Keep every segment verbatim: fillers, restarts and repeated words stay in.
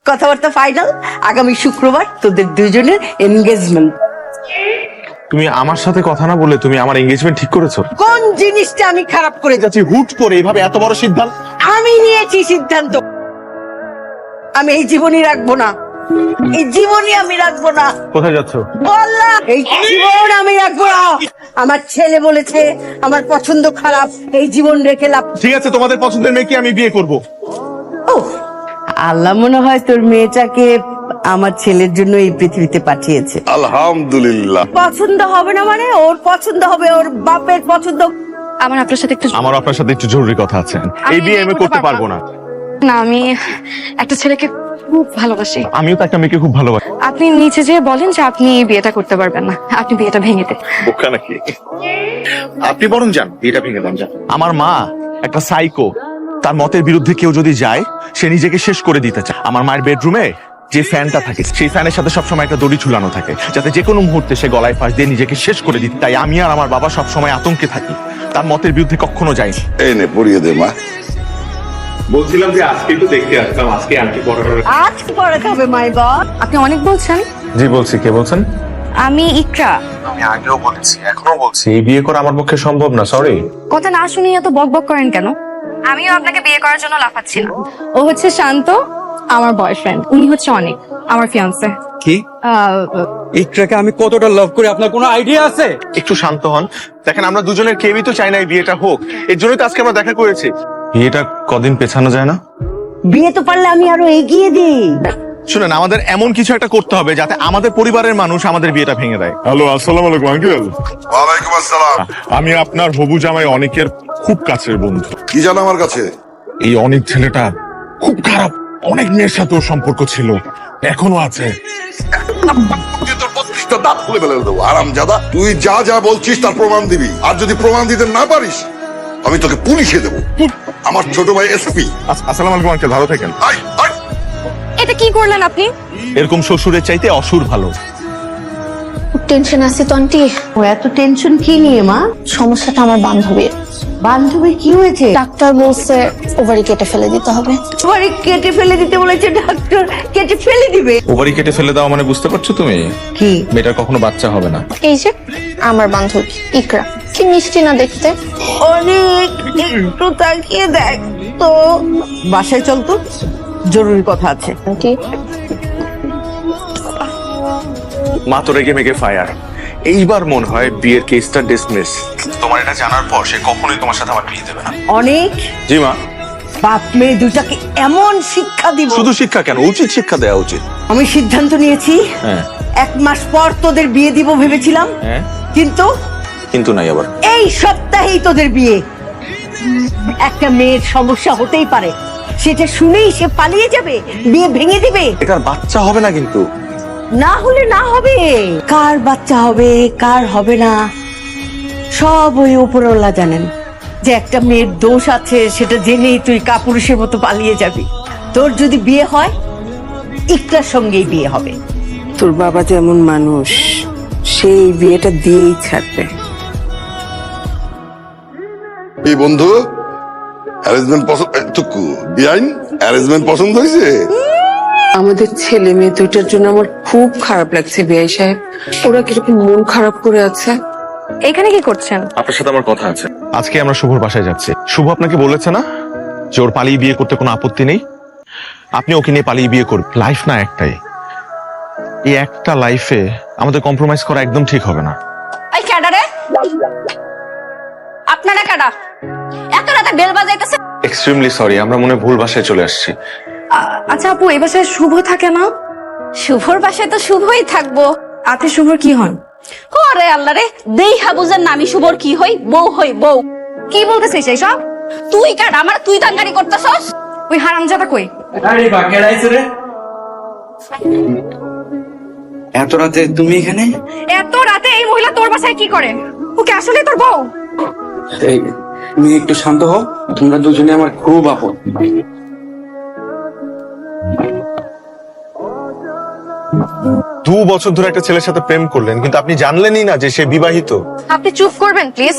কথাবার্তা ফাইনাল, আগামী শুক্রবার তোদের দুজনের এনগেজমেন্ট। তুমি আমার সাথে কথা না বলে তুমি আমার এনগেজমেন্ট ঠিক করেছো? কোন জিনিসটা আমি খারাপ করে যাচ্ছি? হুট করে এইভাবে এত বড় সিদ্ধান্ত? আমি নিয়েছি সিদ্ধান্ত, আমি এই জীবনই রাখবো না, এই জীবনই আমি রাখবো না। কোথায় যাচ্ছ? বললাম এই জীবন আমি রাখবো না। আমার ছেলে বলেছে আমার পছন্দ খারাপ, এই জীবন রেখে লাভ। ঠিক আছে, তোমাদের পছন্দের মেয়েকে আমি বিয়ে করব। ও আল্লাহ মনে হয় তোর মেয়েটাকে আমার ছেলের জন্য এই পৃথিবীতে পাঠিয়েছে। আলহামদুলিল্লাহ। পছন্দ হবে না মানে ওর পছন্দ হবে, ওর বাপের পছন্দ। আমার আপনার সাথে একটু আমার আপনার সাথে একটু জরুরি কথা আছে। এই বিয়ে আমি করতে পারবো না। না, আমি একটা ছেলেকে খুব ভালোবাসি। আমিও তো একটা মেয়েকে খুব ভালোবাসি। আপনি নিচে যেয়ে বলেন যে আপনি এই বিয়েটা করতে পারবেন না, আপনি বিয়েটা ভেঙে দেন। বোকা নাকি? আপনি বরং যান, বিয়েটা ভেঙে দেন। যান। আমার মা একটা সাইকো, তার মতের বিরুদ্ধে কেউ যদি যায় সে নিজেকে শেষ করে দিতে চায়। আমার মায়ের বেডরুমে যে ফ্যানটা থাকে সেই ফ্যানের সাথে সবসময় একটা দড়ি ঝুলানো থাকে, যাতে যে কোনো মুহূর্তে সে গলায় ফাঁস দিয়ে নিজেকে শেষ করে দিতে। তাই আমি আর আমার বাবা সবসময় আতঙ্কে থাকি, তার মতের বিরুদ্ধে কখনো যাইনি। এই নে পড়িয়ে দে মা। বলছিলাম যে আজকে একটু দেখতে আসলাম, আজকে আন্টি পড়ার। আজ পড়াতে হবে মাই গড। আপনি অনেক বলছেন। জি বলছি, কে বলছেন? আমি ইকরা। আমি আগেও বলেছি, এখনো বলছি, এই বিয়ে করা আমার পক্ষে সম্ভব না। সরি। কথা না শুনে এত বক বক করেন কেন? আমিও আপনাকে বিয়ে করার জন্য লাফাচ্ছিলাম। ও হচ্ছে শান্ত, আমার বয়ফ্রেন্ড। উনি হচ্ছে অনেক, আমার ফিয়ান্সে। কি ইকরাকে আমি কতটা লাভ করি আপনার কোনো আইডিয়া আছে? একটু শান্ত হন। দেখেন, আমরা দুজনের কেউই তো চাই না এই বিয়েটা হোক, এর জন্যই তো আজকে আমরা দেখা করেছি। বিয়েটা কদিন পেছানো যায় না? বিয়ে তো পারলে আমি আরো এগিয়ে দিই। শুনেন, আমাদের এমন কিছু একটা করতে হবে যাতে আমাদের পরিবারের মানুষ আমাদের বিয়েটা ভেঙে দেয়। হ্যালো, আসসালামু আলাইকুম আঙ্কেল। ওয়ালাইকুম আসসালাম। আমি আপনার হবু জামাই অনেকের খুব কাছের বন্ধু। কি জানো আমার কাছে? এই অনেক ছেলেটা খুব খারাপ, অনেক মেয়ের সাথে ওর সম্পর্ক ছিল, এখনো আছে। তোর বত্রিশটা দাঁত খুলে ফেলে দেবো আরামজাদা। তুই যা যা বলছিস তার প্রমাণ দিবি, আর যদি প্রমাণ দিতে না পারিস আমি তোকে পুলিশে দেবো। আমার ছোট ভাই এসপি। আসসালামু আলাইকুম আঙ্কেল, ভালো থাকেন। আই আই এটা কি করলেন আপনি? এরকম শ্বশুরের চাইতে অসুর ভালো। টেনশন আছে তো আন্টি। ও এত টেনশন কি নিয়ে মা? সমস্যাটা আমার বান্ধবীর। বান্ধবীর কি হয়েছে? ডাক্তার বলছে ওভারি কেটে ফেলে দিতে হবে। ওভারি কেটে ফেলে দিতে বলেছে ডাক্তার, কেটে ফেলে দিবে? ওভারি কেটে ফেলে দাও মানে বুঝতে পারছো তুমি? কি? মেয়েটার কখনো বাচ্চা হবে না। এই যে আমার বান্ধবী ইকরা, কি মিষ্টি না দেখতে। অনেক একটু তাকিয়ে দেখ তো। বাসায় চল তো, জরুরি কথা আছে। আন্টি মা তো রেগে মেগে ফায়ার। এইবার মনে হয় বিয়ের কেসটা ডিসমিস। তোমার এটা জানার পর সে কখনোই তোমার সাথে আমার বিয়ে দেবে না। অনেক জি মা। বাপ মেয়ে দুটাকে এমন শিক্ষা দিব। শুধু শিক্ষা কেন, উচিত শিক্ষা দেওয়া উচিত। আমি সিদ্ধান্ত নিয়েছি, হ্যাঁ। এক মাস পর তোদের বিয়ে দিব ভেবেছিলাম, হ্যাঁ, কিন্তু কিন্তু নাই আবার। এই সপ্তাহেই তোদের বিয়ে। একটা মেয়ের সমস্যা হতেই পারে, সেটা শুনেই সে পালিয়ে যাবে, বিয়ে ভেঙে দিবে। এটার বাচ্চা হবে না কিন্তু। না হলে না হবে, কার বাচ্চা হবে কার হবে না সব ওই উপরওয়ালা জানেন। যে একটা মেয়ের দোষ আছে সেটা জেনেই তুই কাপুরুষের মতো পালিয়ে যাবি। তোর যদি বিয়ে হয় ইকরার সঙ্গেই বিয়ে হবে। তোর বাবা যেমন মানুষ, সেই বিয়েটা দিয়েই ছাড়বে। এই বন্ধু অ্যারেঞ্জমেন্ট পছন্দ, টুকু বিআইন অ্যারেঞ্জমেন্ট পছন্দ হয়েছে? আমাদের ছেলে মেয়ে দুইটার জন্য আমার খুব খারাপ লাগছে বিআই সাহেব। ওরা কিরকম মন খারাপ করে আছে। এখানে কি করছেন? আপনার সাথে আমার কথা আছে। আজকে আমরা শুভর বাসায় যাচ্ছি। শুভ আপনাকে বলেছে না যে ওর পালিয়ে বিয়ে করতে কোনো আপত্তি নেই? আপনি ওকে নিয়ে পালিয়ে বিয়ে করবেন। লাইফ না একটাই, এই একটা লাইফে আমাদের কম্প্রোমাইজ করা একদম ঠিক হবে না। এই ক্যাডা রে, আপনারা ক্যাডা? এত রাতে বেল বাজাইতেছে। এক্সট্রিমলি সরি, আমরা মনে হয় ভুল বাসায় চলে আসছি। আচ্ছা আপু, এই বাসায় শুভ থাকে না? শুভর বাসায় তো শুভই থাকবো। আপনি শুভর কি হন? ওরে আল্লাহ রে, দেই হাবুজের নামি শুভর কি হই? বউ হই বউ। কি বলতেছিস এইসব? তুই কাট আমার, তুই দাঙ্গারি করতেছস। ওই হারামজাদা কই? আরে বাকের আইছে রে। এত রাতে তুমি এখানে? এত রাতে এই মহিলা তোর বাসায় কি করে? ওকে আসলে তোর বউ? এই তুমি একটু শান্ত হও, তোমরা দুজনে আমার খুব আপন। দু বছর ধরে একটা ছেলের সাথে প্রেম করলেন, কিন্তু আপনি জানলেনই না যে সে বিবাহিত। আপনি চুপ করবেন প্লিজ।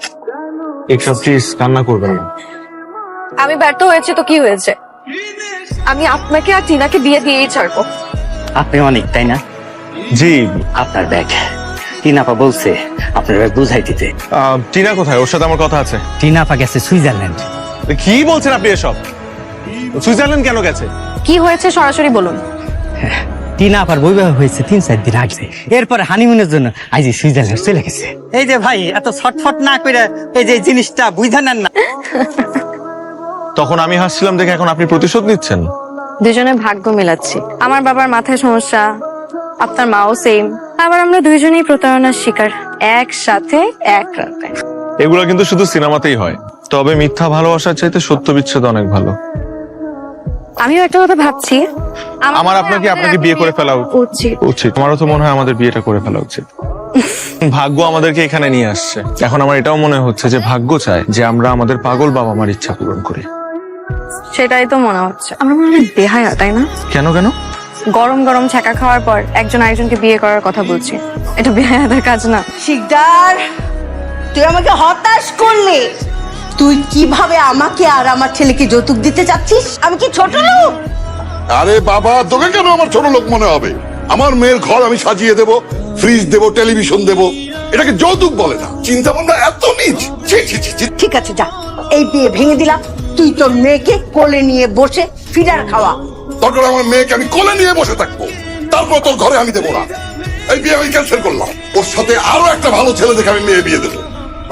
একটু প্লিজ কান্না করবেন না। আমি ব্যর্থ হয়েছে তো কি হয়েছে? আমি আপনাকে আর টিনাকে বিয়ে দিয়েই ছাড়বো। আপনি অনেক, তাই না? জি। আপনার ব্যাগ টিনাপা বলছে আপনার ব্যাগ বুঝাই দিতে। আহ, টিনা কোথায়? ওর সাথে আমার কথা আছে। টিনাপা গেছে সুইজারল্যান্ড। কি বলছেন আপনি এসব? সুইজারল্যান্ড কেন গেছে? কি হয়েছে সরাসরি বলুন। টিনাপার বৈবাহ হয়েছে তিন চার দিন আগে, এরপরে হানিমুনের জন্য আজ সুইজারল্যান্ড চলে গেছে। এই যে ভাই এত ছটফট না করে এই যে জিনিসটা বুঝা নেন না। তখন আমি হাসছিলাম দেখে এখন আপনি প্রতিশোধ নিচ্ছেন। দুজনে ভাগ্য মেলাচ্ছি। আমার বাবার মাথায় সমস্যা, আপনার মাও সেম, আবার আমরা দুইজনেই প্রতারণার শিকার একসাথে এক রাতে। এগুলো কিন্তু শুধু সিনেমাতেই হয়, তবে মিথ্যা ভালোবাসার চাইতে সত্য বিচ্ছেদ অনেক ভালো। আমিও একটা কথা ভাবছি, আমার আপনাকে আপনাকে বিয়ে করে ফেলা উচিত। উচিত। আমারও তো মনে হয় আমাদের বিয়েটা করে ফেলা উচিত। ভাগ্য আমাদেরকে এখানে নিয়ে আসছে। এখন আমার এটাও মনে হচ্ছে যে ভাগ্য চায় যে আমরা আমাদের পাগল বাবা মার ইচ্ছা পূরণ করি। সেটাই তো মনে হচ্ছে। আমরা মনে হয় বেহায়া, তাই না? কেন কেন? গরম গরম ছ্যাঁকা খাওয়ার পর একজন আরেকজনকে বিয়ে করার কথা বলছি, এটা বেহায়াদের কাজ না। শিকদার, তুই আমাকে হতাশ করলে। তুই কিভাবে আমাকে আর আমার ছেলেকে যৌতুক দিতে চাচ্ছিস? আমি কি ছোট লোক? আরে বাবা, তোকে কেন আমার ছোট লোক মনে হবে? আমার মেয়ের ঘর আমি সাজিয়ে দেব, ফ্রিজ দেব, টেলিভিশন দেব, এটাকে যৌতুক বলে না। চিন্তা ভাবনা এত নিচ। ছি, ছি, ছি, ছি। ঠিক আছে, যা, এই বিয়ে ভেঙে দিলাম। তুই তোর মেয়েকে কোলে নিয়ে বসে ফিডার খাওয়া। দরকার আমার মেয়েকে আমি কোলে নিয়ে বসে থাকবো, তারপর তোর ঘরে আমি দেবো না। এই বিয়ে আমি ক্যান্সেল করলাম। ওর সাথে আরো একটা ভালো ছেলে দেখে আমি মেয়ে বিয়ে দেবো।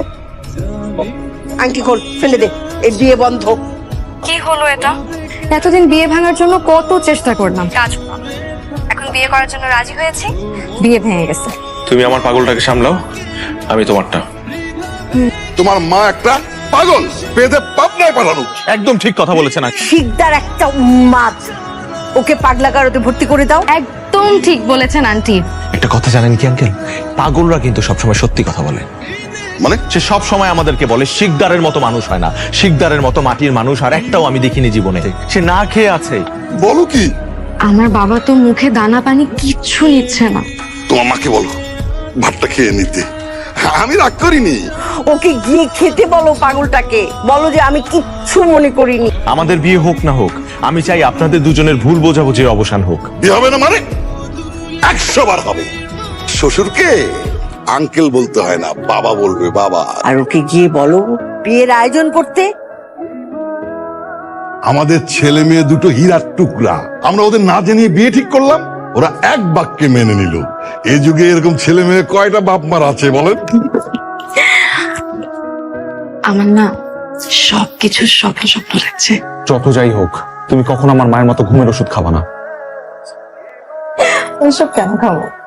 আংটি খোল, ফেলে দে, এই বিয়ে বন্ধ। কি হলো এটা? এতদিন বিয়ে ভাঙার জন্য কত চেষ্টা করলাম, কাজ হলো না। এখন বিয়ে করার জন্য রাজি হয়েছি, বিয়ে ভেঙে গেছে। তুমি আমার পাগলটাকে সামলাও, আমি তোমারটা। তোমার মা একটা পাগল, পেদে পাবনায় পাঠানো। একদম ঠিক কথা বলেছেন। শিকদার একটা উন্মাদ, ওকে পাগলা গারদে ভর্তি করে দাও। একদম ঠিক বলেছেন আন্টি। একটা কথা জানেন কি আঙ্কেল, পাগলরা কিন্তু সবসময় সত্যি কথা বলে। মানে সে সব সময় আমাদেরকে বলে শিকদারের মতো মানুষ হয় না, শিকদারের মতো মাটির মানুষ আর একটাও আমি দেখিনি জীবনে। সে না খেয়ে আছে। বলো কি? আমার বাবা তো মুখে দানা পানি কিচ্ছু নিচ্ছে না। তোমার মাকে বলো ভাতটা খেয়ে নিতে, আমি রাগ করিনি। ওকে গিয়ে খেতে বলো, পাগলটাকে বলো যে আমি কিচ্ছু মনে করিনি। আমাদের বিয়ে হোক না হোক, আমি চাই আপনাদের দুজনের ভুল বোঝাবুঝির অবসান হোক। বিয়ে হবে না মানে? একশো বার হবে। শ্বশুরকে আঙ্কেল বলতে হয় না, বাবা বলবে বাবা। আর ওকে গিয়ে বলো বিয়ের আয়োজন করতে। আমাদের ছেলে মেয়ে দুটো হীরার টুকরা, আমরা ওদের না জানিয়ে বিয়ে ঠিক করলাম, ওরা এক বাক্যে মেনে নিল। এই যুগে এরকম ছেলে মেয়ে কয়টা বাপ মার আছে বলেন? আমার না সবকিছু স্বপ্ন স্বপ্ন লাগছে। যত যাই হোক, তুমি কখনো আমার মায়ের মতো ঘুমের ওষুধ খাবা না। ওইসব কেন খাবো?